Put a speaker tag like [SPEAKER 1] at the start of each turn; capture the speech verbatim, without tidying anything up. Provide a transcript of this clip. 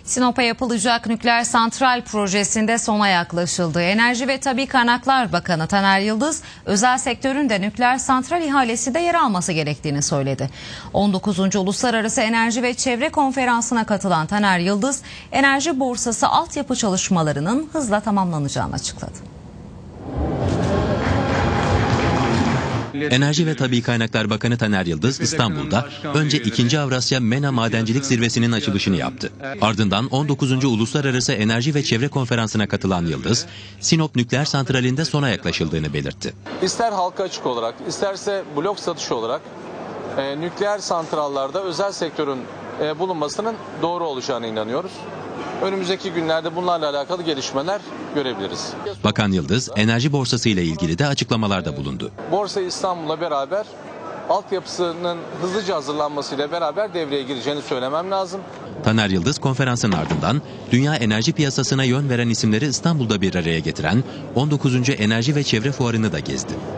[SPEAKER 1] Sinop'a yapılacak nükleer santral projesinde sona yaklaşıldı. Enerji ve Tabii Kaynaklar Bakanı Taner Yıldız, özel sektörün de nükleer santral ihalesinde yer alması gerektiğini söyledi. on dokuzuncu Uluslararası Enerji ve Çevre Konferansı'na katılan Taner Yıldız, enerji borsası altyapı çalışmalarının hızla tamamlanacağını açıkladı.
[SPEAKER 2] Enerji ve Tabii Kaynaklar Bakanı Taner Yıldız İstanbul'da önce ikinci. Avrasya MENA Madencilik Zirvesi'nin açılışını yaptı. Ardından on dokuzuncu Uluslararası Enerji ve Çevre Konferansı'na katılan Yıldız, Sinop Nükleer Santrali'nde sona yaklaşıldığını belirtti.
[SPEAKER 3] İster halka açık olarak, isterse blok satışı olarak e, nükleer santrallarda özel sektörün e, bulunmasının doğru olacağına inanıyoruz. Önümüzdeki günlerde bunlarla alakalı gelişmeler görebiliriz.
[SPEAKER 2] Bakan Yıldız, enerji borsası ile ilgili de açıklamalarda bulundu.
[SPEAKER 3] Borsa İstanbul'la beraber altyapısının hızlıca hazırlanmasıyla beraber devreye gireceğini söylemem lazım.
[SPEAKER 2] Taner Yıldız konferansın ardından dünya enerji piyasasına yön veren isimleri İstanbul'da bir araya getiren on dokuzuncu Enerji ve Çevre Fuarı'nı da gezdi.